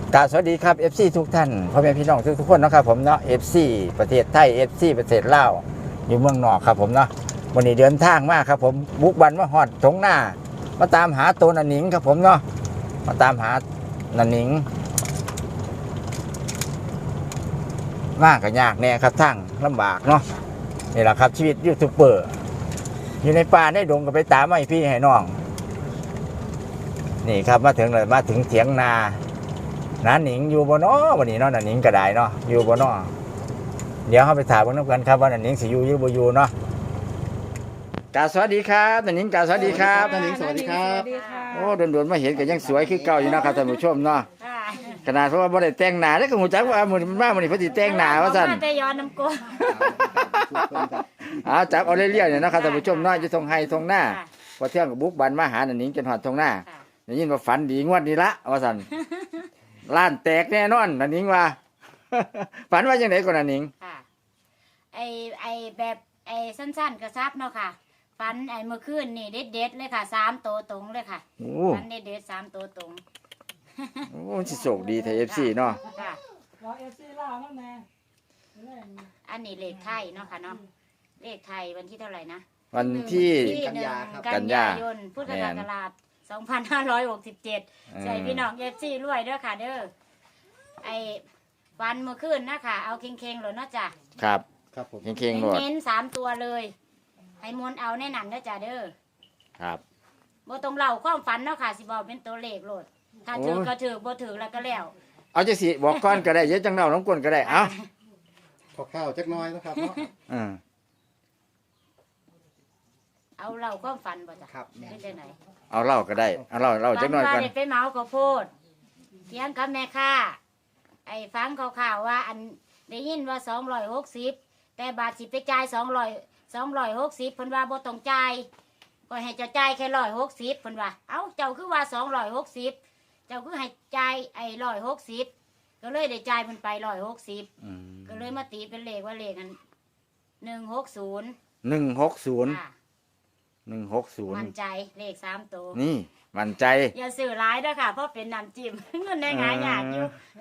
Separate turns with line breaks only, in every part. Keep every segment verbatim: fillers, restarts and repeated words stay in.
กราบสวัสดีครับ เอฟ ซี ทุกท่านพ่อแม่พี่น้องทุกทุกคนนะครับผมเนาะ เอฟ ซี ประเทศไทย เอฟ ซี ประเทศลาวอยู่เมืองนอกครับผมเนาะวันนี้เดินทางมาครับผมบุกบันมาฮอดทงหน้ามาตามหาตัวนันหนิงครับผมเนาะมาตามหานันหนิงมากกับยากแน่ครับทั้งลำบากเนาะนี่แหละครับชีวิตยูทูบเบอร์อยู่ในป่าในดงก็ไปตามให้พี่ให้น้องนี่ครับมาถึงเลยมาถึงเถียงนาน้าหนิงอยู่บนน้อวันนี้เนาะน้าหนิงก็ได้เนาะอยู่บนน้อเดี๋ยวเขาไปถามกันกันครับว่าน้าหนิงสิอยู่หรือบ่อยู่เนาะกาสวัสดีครับน้าหนิงกาสวัสดีครับ
น้าหนิงสวัสดีครับ
โอ้โดนๆมาเห็นก็ยังสวยคือเก่าอยู่นะครับท่านผู้ชมเนาะขนาดเพราะว่าบ่ได้แต่งหน้าแล้วก็หูจักว่ามื้อนี้มันมามื้อนี้เพิ่นสิแต่งหน้าว่าซั่น
แต่ย้อนน้ำกล
อ้าวจับเอาเรื่อยๆเนี่ยนะครับท่านผู้ชมเนาะอยู่ทงไห้ทงหน้าพอเที่ยงก็บุกบันมาหาน้าหนิงจนฮอดทงหน้าได้ยินว่าฝันดีงวดนี้ละว่าซั่นล้านแตกแน่นอนน้าหนิงว่า ฝันว่าจังได๋ก่อนน้าหนิง
ค่ะไอไอแบบไอสั้นๆกระซับเนาะค่ะฟันไอเมื่อคืนนี่เด็ดๆเลยค่ะสามโตวตรงเลยค่ะ
โอ้
ฟันเด็ดๆสามโตวตรง
โอ้สิโชคดีไทย เอฟ ซี เนาะ
ค่ะ
รอเอฟซีล่านั่นแน่
อันนี้เลขไทยเนาะค่ะเนาะเลขไทยวันที่เท่าไหร่นะ
วันที่
ที่หนึ่งกันยายนพุทธศักราชสองพันห้าร้อยหกสิบเจ็ดใส่พี่น้องเอฟซีรวยเด้อค่ะเด้อไอฟันเมื่อคืนนะค่ะเอาเค็งๆเลยเนาะจ้ะ
ครับ
ครับผม
เข่งๆโลด
เน้นๆสามตัวเลยให้มนต์เอาแน่นันเด้อจ้ะเด้อ
ครับ
บ่ต้องเล่าความฝันเนาะค่ะสิบอกเป็นตัวเลขโลดถ้าถือก็ถือบ่ถือแล้วก็แล้ว
เอาจังสิบอกก่อนก็ได้เยอะจังเนาน้องกวนก็ได้เอ้า
ขอข้าวจักหน้อยนะครับเนาะ
อือ
เอาเล่าความฝันบ่จ้ะ
ครับ
เป็นจังไหน
เอาเล่าก็ได้เอาเล่าเล่าจักหน่อย
ฝั
ก่อน
ว่าได้ไปเหมาข้าวโพดเถียงกับแม่ค้าไอ้ฟังข่าวๆว่าอันได้ยินว่าสองร้อยหกสิบแต่บาทสิไปจ่ายสองร้อยสองร้อยหกสิบเพิ่นว่าบ่ต้องจ่ายก็ให้เจ้าจ่ายแค่ร้อยหกสิบเพิ่นว่าเอ้าเจ้าคือว่าสองร้อยหกสิบเจ้าคือให้จ่ายไอ้ร้อยหกสิบก็เลยได้จ่ายเพิ่นไปร้อยหกสิบ
อืม
ก็เลยมาตีเป็นเลขว่าเลขนั้นหนึ่งหกศูนย์
หนึ่งหกศูนย์
ค่ะ
หนึ่งหกศูนย์
มั่นใจเลขสามตัว
นี่มั่นใจ
อย่าสื่อร้ายด้วยค่ะเพราะเป็นน้ำจิ้ม เงินได้หายยากอยู่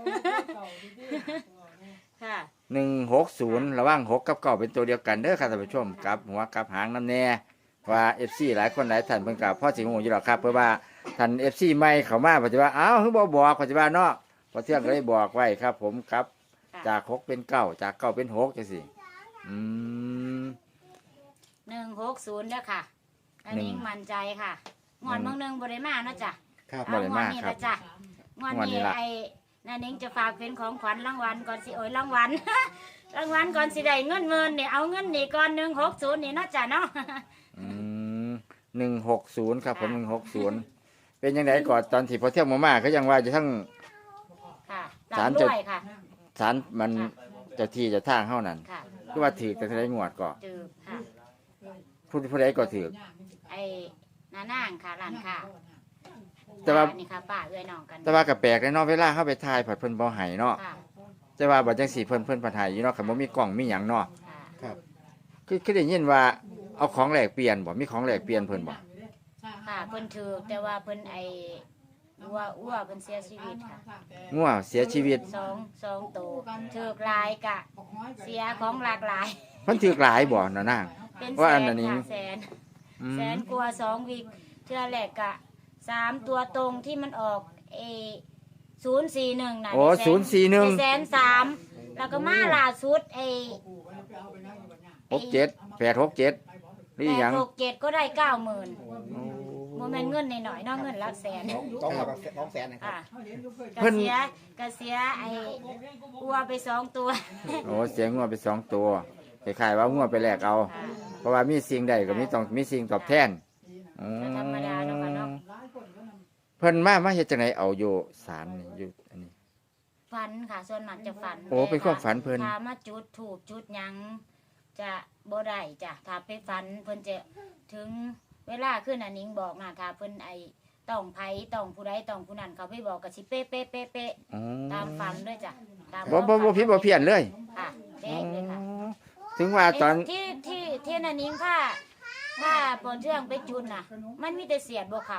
ค่ะ
หนึ่งหกศูนย์ระหว่างหกกับเก้าเป็นตัวเดียวกันเด้อค่ะท่านผู้ชมกับหัวกับหางน้ำแน่ว่า เอฟ ซี หลายคนหลายท่านเพิ่นกับพ่อสิงห์อยู่หรอกครับเพราะว่าท่าน เอฟ ซี ใหม่เข้ามาปัจจุบันอ้าวคือบ่บอกปัจจุบันเนาะพอเที่ยงก็ได้บอกไว้ครับ ผมครับ
ค่ะ
จากหกเป็นเก้าจากเก้าเป็นหกจังซี่อืม
หนึ่งหกศูนย์เด้อค่ะ อันนี้
หนึ่ง
มั่นใจค่ะงอนเมืองหนึ่งบริมาเนาะจ้ะ
ครับ
บ่
เอา
ได้
งอ
มาน ก
นี้
ครั
ละ
บ
จ้ะงอน
งอนนี้
นี้
ละ
ไอ้นานิ้งจะฝากเป็นของขวัญรางวัลก่อนสิโอ้ยรางวัล รางวัลก่อนสิได้เงินเมินเนี่ยเอาเงินนี่ก่อนหนึ่งหกศูนย์นี่เนาะจ้ะเนาะ
อืมหนึ่งหกศูนย์ครับผมหนึ่งหกศูนย์
ค่ะ
เป็นยังไงก่อนตอนที่พอเที่ยวมามาก็ยังว่าจะทั้ง
ค่ะ
ศาล
ลำ
จะ
ด้วยค่ะ
สารมันเจะที่เจะทางเท่านั้น
ค่ะ
ก็ว่าถือแต่ทะเลงวดก่อน
จืบค่ะ
ผู้ผู้ใดก็ถือ
ไอ้นานางค่ะร้านค่ะ
แต่ว่า
นี่ค่ะป้าเอื้อยน้องกัน
แต่ว่ากับแปลกเลยเนาะเวลาเข้าไปถ่ายผัดเพิ่นบ่ให้เนาะ
ค่ะ
แต่ว่าบัดจังสีเพิ่นเพิ่นผัดให้อยู่เนาะคันบ่มีกล้องมีหยังเนาะ
ค่ะ
ครับ
คือคือได้ยินว่าเอาของแหลกเปลี่ยนบ่มีของแหลกเปลี่ยนเพิ่นบ่
ค่ะเพิ่นถือแต่ว่าเพิ่นไอ้วัวอ้วเพิ่นเสียชีวิตค่ะ
งัวเสียชีวิต
สองสองตัวถือกหลายกะ เสียของหลากหลาย
เพิ่นถือหลายบ่น่ะนาง
เป็น
ว่า
แส
อัน
น
นั้นนี้
ค่ะแสน
อื
แส
ม
นกว่าสองวิกเทื่อแรกกะสามตัวตรงที่มันออกเอศูนย์สี่หนึ่งน่ะ
โอ้
ได้แส
ศูนย์สี่หนึ่ง
ได้แสนสามแล้วก็มาล่าสุดไอ้
หกเจ็ดแปดหกเจ็ดหรือ
แป
หยั
ด
ง
หกเจ็ดก็ได้เก้าหมื่นโมเมนเงินหน่อยๆเนอกเงินหลักแสน
ต้องมาสองแสนนะครับ
ค่ะกระเสียกระเสียไอ้อัวไปสองตัว
โอ้เสียงัวไปสองตัวคล้ายๆว่างัวไปแลกเอา
ค่ะ
เพราะว่ามีสิ่งใดก็มีต้องมีสิ่งตอบแทนอืม
ก็ธรรมดาเนาะค่ะเนาะ
เพิ่นมามาเฮ็ดจังไดเอาอยู่ศาลนี่อยู่อันนี้
ฝันค่ะส่วนมากจะฝัน
โอ้เป็นความฝันเพิ่น
ถ้ามาจุดถูกจุดหยังจะบ่ได้จ้ะถ้าไปฝันเพิ่นจะถึงเวลาขึ้นอันนิ้งบอกนะถ้าเพิ่นไอต้องไผต้องผู้ใดต้องผู้นั้นเขาไปบอกก็สิเป๊ะเป๊ะเป๊ะเป๊ะ
อ๋อ
ตามฝันด้วยจ้ะตาม
บ่บ่บ่ผิดบ่เพี้ยนเลย
ค่ะเป๊ะเลยค่ะ
ถึงว่าตอน
ที่ที่ที่นันนิ้งค่ะถ้าปอนเชื่องไปจุนน่ะ มันมีแต่เสียดบ่เขา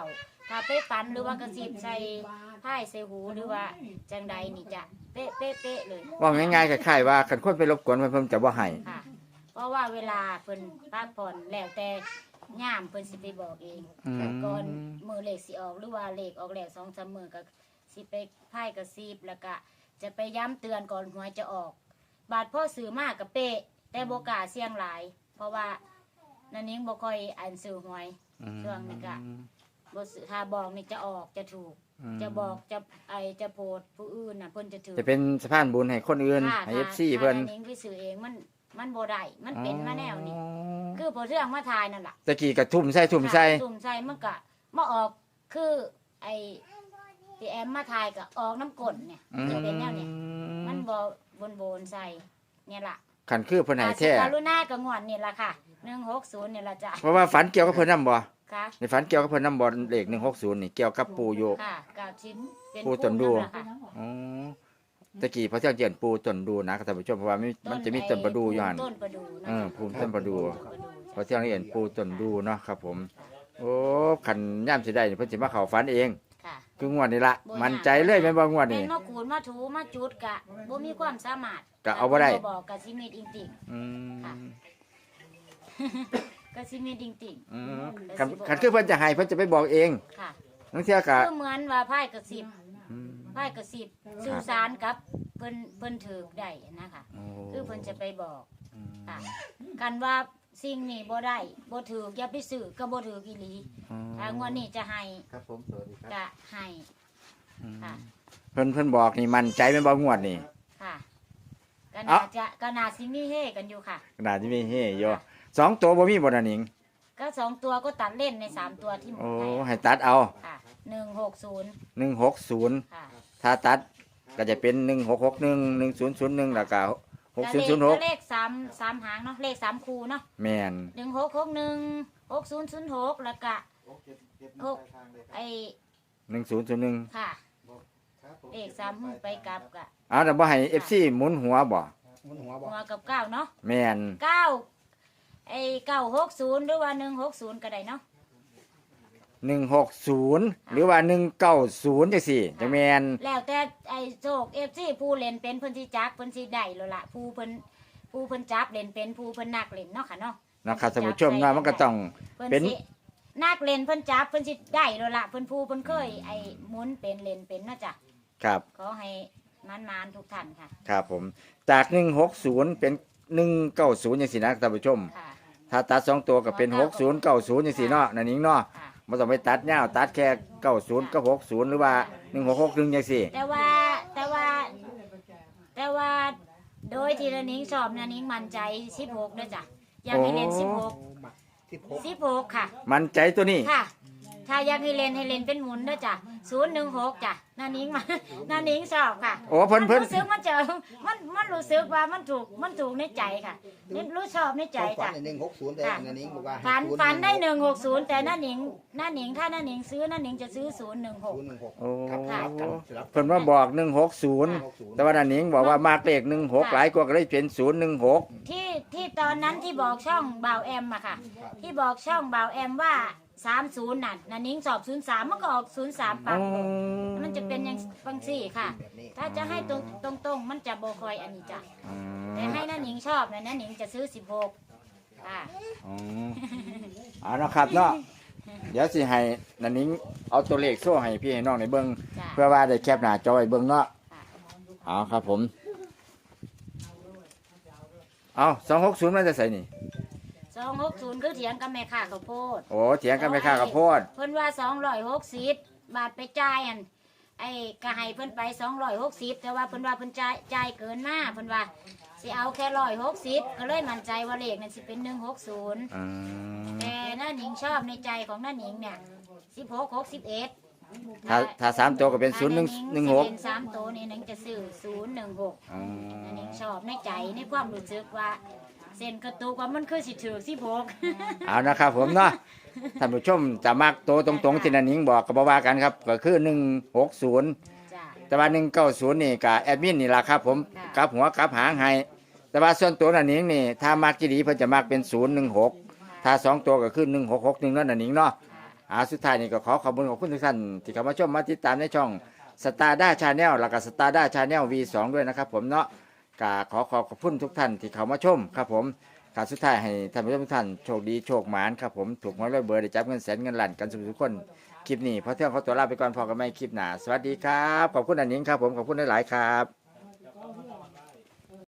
ถ้าไปฝันหรือว่ากระสิบใส่ไพ่ใส่หูหรือว่าจังใดนี่จะเป๊ะเป๊ะเป๊ะเลย
ว่าง่ายๆคล้ายๆว่าคันคนไปรบกวนเพิ่นเพิ่นจะบ่ให้
ค่ะ เพราะว่าเวลาเพิ่นพักผ่อนแล้วแต่ย่ามเพิ่นสิไปบอกเอง
อืม
ก่อนมือเลขสิออกหรือว่าเลขออกแล้วสองสามมือก็สิไปไพ่กระซิบแล้วก็จะไปย้ำเตือนก่อนหวยจะออก บาดพ่อสื่อมากกับเป๊ะแต่โบกล้าเสี่ยงหลาย เพราะว่านันนิ้งบ่ค่อยอ่านสื่อหวย ช่วงนี้ก็ บ่สื่อถ้าบอกนี่จะออกจะถูก
อืม
จะบอกจะไอจะโพดผู้อื่นน่ะเพิ่นจะถือ
จะเป็นสะพานบุญให้คนอื่น
ถ้า
ให้
ถ้า
เอฟซีเพิ่น
ถ้านันนิ้งไปสื่อเองมันมันบ่ได้มันเป็นมาแนวนี้
อ๋อ
คือพอเรื่องมาทายนั่นล่ะ
ตะกี้ก็ทุ่มใส่ทุ่มใส่
ตุ่มใส่มันก็มาออกคือไอที่แอมมาทายก็ออกน้ำกลนเนี่ย
อืม
จะเป็นแนวเนี่ยมันบ่บนโบนๆใส่เนี่ยล่ะ
คันคือเพิ่นให้แท้
อาสิการุณากับงวดนี่ล่ะค่ะหนึ่งหกศูนย์นี่ล่ะจ้ะ
เพราะว่าฝันเกี่ยวกับเพิ่นนำบ่
ค่ะ
ในฝันเกี่ยวกับเพิ่นนำบ่เลขหนึ่งหกศูนย์นี่เกี่ยวกับปู่อยู่
ค่ะกาวชิ้นเป็น
ปูต้นดู
นั่นล่ะค่ะ
อ๋อตะกี้พระเจ้าเจียนปู่ต้นดูนะครับท่านผู้ชมเพราะว่ามีมันจะมีต้นประดูอยู่หั่น
ต้นประดูนะ
เออภูมิต้นประดู
ต้นประดู
พระเจ้าเห็นปู่ต้นดูเนาะครับผม โอ้คันย่ามสิได้นี่เพิ่นสิมาเข้าฝันเอง
ค่ะ
คืองวดนี้ละมั่นใจเลยแม่นบ่งวด
เป็
นี้
นมาขูดมาถูมาจุดกะบ่มีความสามารถ
ก็เอาบ่ได้
บอกกะสิมีดอิงติ่ง
อืม
ค่ะ กะสิมีดอิงติ่ง
อืมคันคันคือเพิ่นจะให้เพิ่นจะไปบอกเอง
ค่ะ
นังเที่ยก็
คือเหมือนว่าไพ่กระสิบ
อืม
ไพ่กระสิบสื่อสารกับเพิ่นเพิ่นถือได้นะคะ
โอ้
คือเพิ่นจะไปบอก
อืม
ค่ะกันว่าสิ่งนี้บ่ได้บ่ถืออย่าไปซื้อก็บ่ถืออีหลี
อืม
ทางวันนี้จะให้
ครับผมสวัสดีครับ
จะให้ ค่ะ
เพิ่นเพิ่นบอกนี่มั่นใจแม่นบ่งวดนี่
ค่ะก็
เอ้า
น่าจะก็น่าสิมีเฮกันอยู่ค่ะ
ขนาดที่มีเฮอยู่สองตัวบ่มีบ่น่ะหนิง
ก็สองตัวก็ตัดเล่นในสามตัวที่หมด
โอ้
ให้
ให้ตัดเอา
ค่ะหนึ่งหกศูนย์
หนึ่งหกศูนย์
ค่ะ
ถ้าตัดก็จะเป็นหนึ่งหกหกหนึ่งหนึ่งศูนย์ศูนย์หนึ่งแล้วก็หกศูนย์ศูนย์หก
ก็เลขสามสามหางเนาะเลขสามคูเนาะ
แม่น
หนึ่งหกหกหนึ่งหกศูนย์ศูนย์หกแล้วก็ หก ไอ
หนึ่งศูนย์ศูนย์หนึ่ง
ค่ะ
ครับผม
เลขสามหูไปกลับกะ
อ้าวแต่บ่ให้เอฟซีหมุนหัวบ่
มุนหัวบอ
หั
ก
วกับเก้าเนาะ
แม่น
เก้าไอเก้าหกศูนย์หรือว่าหนึ่งหกศูนย์ก็ได้เนาะ
หนึ่งหกศูนย์หรือว่าหนึ่งเก้าศูนย์จังซี่จังแม่น
แล้วแต่ไอโชคเอฟซีผู้เล่นเป็นเพิ่นสิจักเพิ่นสิได้แล้วล่ะผู้เพิ่นผู้เพิ่นจับเล่นเป็นผู้เพิ่นนักเล่นเนาะค่ะเนาะ
นะครับท่านผู้ชมเนาะมันก็ต้อง
เพิ่น
เป็น
สินักเล่นเพิ่นจับเพิ่นสิได้แล้วล่ะเพิ่นผู้เพิ่นเคยไอ้หมุนเป็นเล่นเป็นเนาะจ้ะ
ครับ
ขอให้มานๆทุกท่านค่ะ
ครับผมจากหนึ่งหกศูนย์เป็นหนึ่งเก้าศูนย์จังซี่นะท่านผู้ชม
ค่ะ
ถ้าตัดสองตัวก็เป็นหกศูนย์เก้าศูนย์จังซี่เนาะนั่นนิงเนาะ
ค่ะ
บ่ต้องไปตัดยาวตัดแค่เก้าศูนย์กับหกศูนย์หรือว่าหนึ่งหกหกหนึ่งจังซี่
แต่ว่าแต่ว่า แต่ว่าโดยที่ละนิ้งชอบนะนิ้งมั่นใจสิบหกด้วยจ้ะอยากให้เล่นสิบหก
หมักที่พก
สิบหกค่ะ
มันใจตัวนี้
ค่ะ ถ้าอยากให้เล่นให้เล่นเป็นหมุนด้วยจ้ะศูนย์หนึ่งหกจ้ะนานิ้งมา นานิ้งชอบค่ะ
โอ้เพิ่นเพิ่น
มัรู้สึกมันจะมันมันรู้สึกว่ามันถูกมันถูกในใจค่ะนี่รู้ชอบในใจ
ความฝัน
จ้ะ
ในหนึ่งหกศูนย์แต่
ค่ะ
อันนี้บอกว่า
ฝัน
ศูย์
ฝันได้ห
หนึ่ง
นึ่งหกศูนย์แต่น้าหนิงน้าหนิงถ้าน้าหนิงซื้อน้าหนิงจะซื้อศูนย์หนึ่งหก
ศูนย์หนึ่งหก
โอ้
ครับครับกันสลับ
เพิ่นมาบอกหนึ่งหกศูนย์แต่ว่านันนิงบอกว่ามากเลขหนึ่งหกหลายกว่าก็เลยเป็นศูนย์หนึ่งหก
ที่ที่ตอนนั้นที่บอกช่องบ่าวแอมอะค่ะ ที่บอกช่องบ่าวแอมว่าสามศูนย์น่ะน้าหนิงสอบศูนย์สามมันก็ออกศูนย์สามปั๊บมันจะเป็นอย่างบางสี่ค่ะ
แบบนี้
ถ้าจะให้ตรงตรงตรงๆมันจะโบคอยอันนี้จ้ะแต่ให้น้าหนิงชอบนะน้าหนิงจะซื้อสิบหกค่ะ
อ๋อเอาเนาะครับเนาะเดี๋ยวสิให้นันนิงเอาตัวเลขโซ่ให้พี่ให้น้องในเบิ่ง
จ้ะ
เพื่อว่าได้แคปหน้าจอไว้เบิ่งเนาะ
ค่ะ
เอาครับผมเอาสองหกศูนย์มันจะใส่นี่
สองหกศูนย์คือเถียงกับแม่ค้าข้าวโพด
โอ้เถียงกันไม่ค่ากับโพด
เพิ่นว่าสองร้อยหกสิบบาทไปจ่ายอันไอ้ก็ให้เพิ่นไปสองร้อยหกสิบแต่ว่าเพิ่นว่าเพิ่นจ่ายจ่ายเกินมาเพิ่นว่าสิเอาแค่ร้อยหกสิบก็เลยมั่นใจว่าเลขนั้นสิเป็นหนึ่งหกศูนย์
อืม
แต่น้าหนิงชอบในใจของน้าหนิงเนี่ยสิบหกหกสิบเอ็ด
ถ้าถ้าสามตัวก็เป็นศูนย์หนึ่งหนึ่งหก
เป็นสามตัวนี่หนิงจะซื้อศูนย์หนึ่งหก
อ๋อ
น้าหนิงชอบในใจในความรู้สึกว่าเส้นกระตุกว่ามันคือสิถือสิบหก
เอานะครับผมเนาะท่านผู้ชมจะมักโตวตรงๆที่นันนิงบอกก็บว่ากันครับก็คือหนึ่งหกศูนย์
จ้ะ
แต่ว่าหนึ่งเก้าศูนย์นี่กับแอดมินนี่แหละครับผม
ค่ะ
กลับหัวกลับหางให้แต่ว่าส่วนตัวนันนิงนี่ถ้ามักจีดีเพิ่นจะมักเป็นศูนย์หนึ่งหกถ้าสองตัวก็คือหนึ่งหกหกหนึ่งนั่นนันนิงเนาะอาสุดท้ายนี่ก็ขอขอบคุณขอบคุณทุกท่านที่เข้ามาชมมาติดตามในช่องสตาร์ด้าชาแนลแล้วก็สตาร์ด้าชาแนล วี สอง ด้วยนะครับผมเนาะก็ขอขอบขอบคุณทุกท่านที่เข้ามาชมครับผมการสุดท้ายให้ท่านผู้ชมทุกท่านโชคดีโชคหมานครับผมถูกหวยรวยเบอร์ได้จับเงินแสนเงินล้านกันทุกคนคลิปนี้พอเที่ยงเขาตัวลาไปก่อนพอกันไม่คลิปหน้าสวัสดีครับขอบคุณอันนิงครับผมขอบคุณหลายๆครับ